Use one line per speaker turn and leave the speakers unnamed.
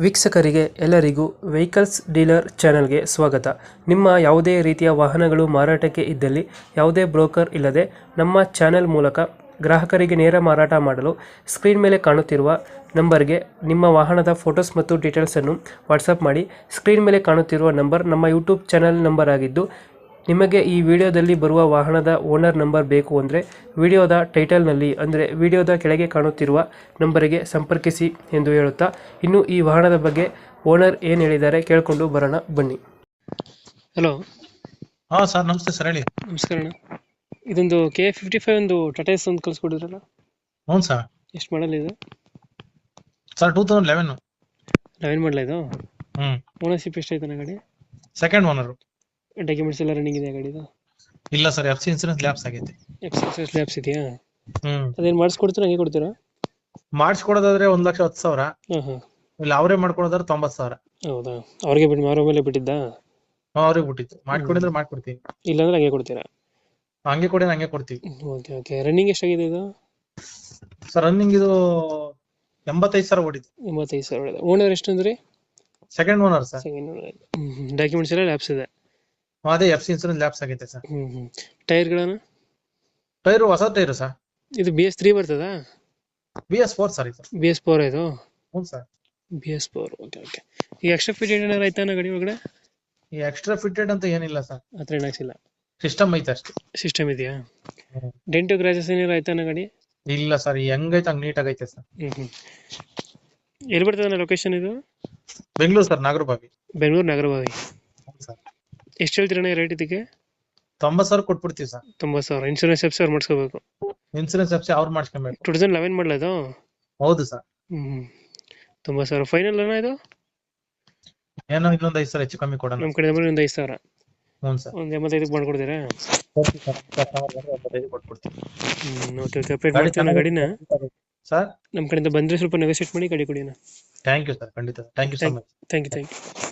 ವೀಕ್ಷಕರಿಗೆ ಎಲ್ಲರಿಗೂ vehicles dealer ಚಾನೆಲ್ಗೆ ಸ್ವಾಗತ. ನಿಮ್ಮ ಯಾವುದೇ ರೀತಿಯ ವಾಹನಗಳು ಮಾರಾಟಕ್ಕೆ ಇದ್ದಲ್ಲಿ ಯಾವುದೇ ಬ್ರೋಕರ್ ಇಲ್ಲದೆ ನಮ್ಮ ಚಾನೆಲ್ ಮೂಲಕ ಗ್ರಾಹಕರಿಗೆ ನೇರ ಮಾರಾಟ ಮಾಡಲು ಸ್ಕ್ರೀನ್ ಮೇಲೆ ಕಾಣುತ್ತಿರುವ ನಂಬರ್ಗೆ ನಿಮ್ಮ ವಾಹನದ ಫೋಟೋಸ್ ಮತ್ತು ಡೀಟೇಲ್ಸನ್ನು ವಾಟ್ಸಪ್ ಮಾಡಿ. ಸ್ಕ್ರೀನ್ ಮೇಲೆ ಕಾಣುತ್ತಿರುವ ನಂಬರ್ ನಮ್ಮ ಯೂಟ್ಯೂಬ್ ಚಾನೆಲ್ ನಂಬರ್ ಆಗಿದ್ದು, ನಿಮಗೆ ಈ ವಿಡಿಯೋದಲ್ಲಿ ಬರುವ ವಾಹನದ ಓನರ್ ನಂಬರ್ ಬೇಕು ಅಂದರೆ ವಿಡಿಯೋದ ಟೈಟಲ್ನಲ್ಲಿ ಅಂದರೆ ವಿಡಿಯೋದ ಕೆಳಗೆ ಕಾಣುತ್ತಿರುವ ನಂಬರಿಗೆ ಸಂಪರ್ಕಿಸಿ ಎಂದು ಹೇಳುತ್ತಾ, ಇನ್ನು ಈ ವಾಹನದ ಬಗ್ಗೆ ಓನರ್ ಏನು ಹೇಳಿದ್ದಾರೆ ಕೇಳಿಕೊಂಡು ಬರೋಣ ಬನ್ನಿ. ಹಲೋ.
ಹಾ ಸರ್, ನಮಸ್ತೆ ಸರ್, ಹೇಳಿ.
ನಮಸ್ಕಾರ ಅಣ್ಣ. ಇದೊಂದು KA55 ಒಂದು ಟಾಟಾ ಎಸ್ ಒಂದು ಕಳಿಸ್ಕೊಡಿದ್ರಲ್ಲ,
ಹ್ಞೂ ಸರ್.
ಎಷ್ಟು ಮಾಡಲ್ ಇದು?
ಸರ್ 2011.
11 ಮಾಡಲ ಇದು? ಓನರ್ಶಿಪ್ ಎಷ್ಟಾಯ್ತು ಗಾಡಿ?
Second owner.
ಡಾಕ್ಯುಮೆಂಟ್ಸ್ ಎಲ್ಲ ರನ್ನಿಂಗ್ ಇದೆ ಗಾಡಿದು?
ಇಲ್ಲ ಸರ್, FC ಇನ್ಸೂರೆನ್ಸ್ ಲ್ಯಾಪ್ಸ್ ಆಗೈತೆ.
ಲ್ಯಾಬ್ಸ್ ಇದೆಯಾ? ಅದೇನು ಮಾಡಿಸ್ಕೊಡ್ತೀರಾ, ಹಂಗೆ ಕೊಡ್ತೀರಾ?
ಮಾಡಿಸ್ಕೊಡೋದಾದ್ರೆ 1,10,000.
ಹಾಂ.
ಇಲ್ಲ ಅವರೇ ಮಾಡ್ಕೊಡೋದಾದ್ರೆ 90,000.
ಹೌದಾ? ಅವ್ರಿಗೆ ಬಿಟ್ಟು ಅವ್ರ ಮೇಲೆ ಬಿಟ್ಟಿದ್ದಾ?
ಅವ್ರಿಗೆ ಬಿಟ್ಟಿತ್ತು. ಮಾಡ್ಕೊಡಿದ್ರೆ ಮಾಡ್ಕೊಡ್ತೀವಿ,
ಇಲ್ಲಾಂದ್ರೆ ಹಂಗೆ ಕೊಡ್ತೀರಾ?
ಹಂಗೆ ಕೊಡಿ, ಹಂಗೆ ಕೊಡ್ತೀವಿ.
ಓಕೆ. ರನ್ನಿಂಗ್ ಎಷ್ಟಾಗಿದೆ ಇದು?
ಸರ್ ರನ್ನಿಂಗ್ ಇದು 85,000 ಓಡಿತ್ತು.
85,000 ಹೊಡೆದ. ಓನರ್ ಎಷ್ಟು ಅಂದ್ರಿ?
Second owner sir.
Second owner. Documents ಎಲ್ಲ ಲ್ಯಾಬ್ಸ್ ಇದೆ?
ಅದೇ FC ಇನ್ಸೂರೆನ್ಸ್ ಲ್ಯಾಪ್ಸ್ ಆಗೈತೆ ಸರ್.
ಟೈರ್ಗಳನ್ನು?
ಟೈರು ಹೊಸ ಟೈರು ಸರ್.
ಇದು BS3 ಬರ್ತದಾ?
BS4 ಸರ್ ಇದು.
BS4 ಇದು?
ಹ್ಞೂ ಸರ್.
BS4. ಓಕೆ. ಈಗ ಎಕ್ಸ್ಟ್ರಾ ಫಿಟೆಡ್ ಏನಾರು ಆಯ್ತಾ ಗಾಡಿ ಒಳಗಡೆ?
ಈ ಎಕ್ಸ್ಟ್ರಾ ಫಿಟೆಡ್ ಅಂತ ಏನಿಲ್ಲ ಸರ್,
ಆ ಥರ ಏನಾಗ್ಸಿಲ್ಲ.
ಸಿಸ್ಟಮ್ ಐತೆ ಅಷ್ಟೇ.
ಸಿಸ್ಟಮ್ ಇದೆಯಾ? ಡೆಂಟು ಕ್ರಾಚಸ್ ಏನಾರು ಆಯ್ತಾ ಗಾಡಿ?
ಇಲ್ಲ ಸರ್, ಹೆಂಗೈತೆ ಹಂಗೆ ನೀಟಾಗೈತೆ ಸರ್.
ಎಲ್ಲಿ ಬರ್ತದೆ ಲೊಕೇಶನ್ ಇದು?
ಬೆಂಗಳೂರು ಸರ್, ನಾಗರಬಾವಿ.
ಬೆಂಗಳೂರು ನಾಗರಬಾವಿ.
ಸರ್
ಎಷ್ಟು ಹೇಳ್ತೀರಣ್ಣ ರೇಟ್ ಇದಕ್ಕೆ?
90,000 ಕೊಟ್ಬಿಡ್ತೀವಿ ಸರ್.
90,000. ಇನ್ಶೂರೆನ್ಸ್ ಎಫ್ಸಿ ಅವ್ರು ಮಾಡಿಸ್ಕೋಬೇಕು?
ಇನ್ಸೂರೆನ್ಸ್ FC ಅವ್ರು ಮಾಡಿಸ್ಕೊಬೇಕು.
2011 ಮಾಡಲ ಇದು?
ಹೌದು ಸರ್.
90,000 ಫೈನಲ್ ಅಣ್ಣ ಇದು?
ಏನೋ ಇನ್ನೊಂದು 5,000 ಹೆಚ್ಚು ಕಮ್ಮಿ ಕೊಡೋಣ.
ನಮ್ಮ ಕಡೆ ಒಂದು 5,000.
ಹ್ಞೂ ಸರ್.
ಒಂದು 85ಕ್ಕೆ ಮಾಡ್ಕೊಡ್ತೀರಾ?
ಕೊಟ್ಬಿಡ್ತೀವಿ.
ಓಕೆ. ಅಪ್ಡೇಟ್ ಮಾಡ್ತೀವಿ ಗಾಡಿನ.
ಸರ್
ನಮ್ಮ ಕಡೆಯಿಂದ ಬಂದರೆ ಸ್ವಲ್ಪ ನೆಗೋಸಿಯೇಟ್ ಮಾಡಿ ಗಾಡಿ ಕೊಡಿ.
ಥ್ಯಾಂಕ್ ಯು ಸರ್, ಖಂಡಿತ. Thank you so much.
Thank you.